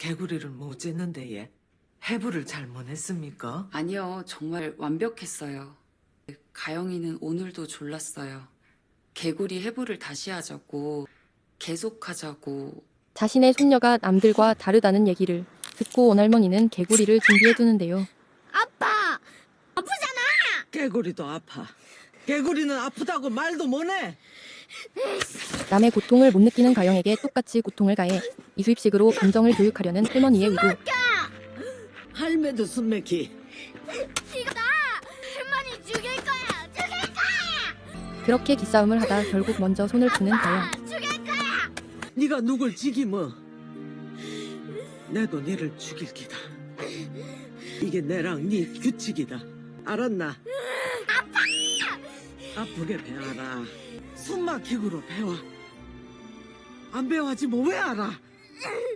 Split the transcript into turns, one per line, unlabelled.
개구리를 못 짖는데 얘 해부를 잘못했습니까?
아니요, 정말 완벽했어요. 가영이는 오늘도 졸랐어요. 개구리 해부를 다시 하자고, 계속하자고.
자신의 손녀가 남들과 다르다는 얘기를 듣고 온 할머니는 개구리를 준비해두는데요.
아빠! 아프잖아!
개구리도 아파. 개구리는 아프다고 말도 못해.
남의 고통을 못 느끼는 가영에게 똑같이 고통을 가해 이수입식으로 감정을 교육하려는 할머니의 의도.
할매도 숨맥히.
이거다! 할머니 죽일 거야! 죽일 거야!
그렇게 기싸움을 하다 결국 먼저 손을 푸는 가영.
죽일 거야!
네가 누굴 죽이면 내도 너를 죽일 기다. 이게 내랑 네 규칙이다. 알았나? 아프게 배워라. 숨 막히고로 배워. 안 배워하지 뭐 왜 알아?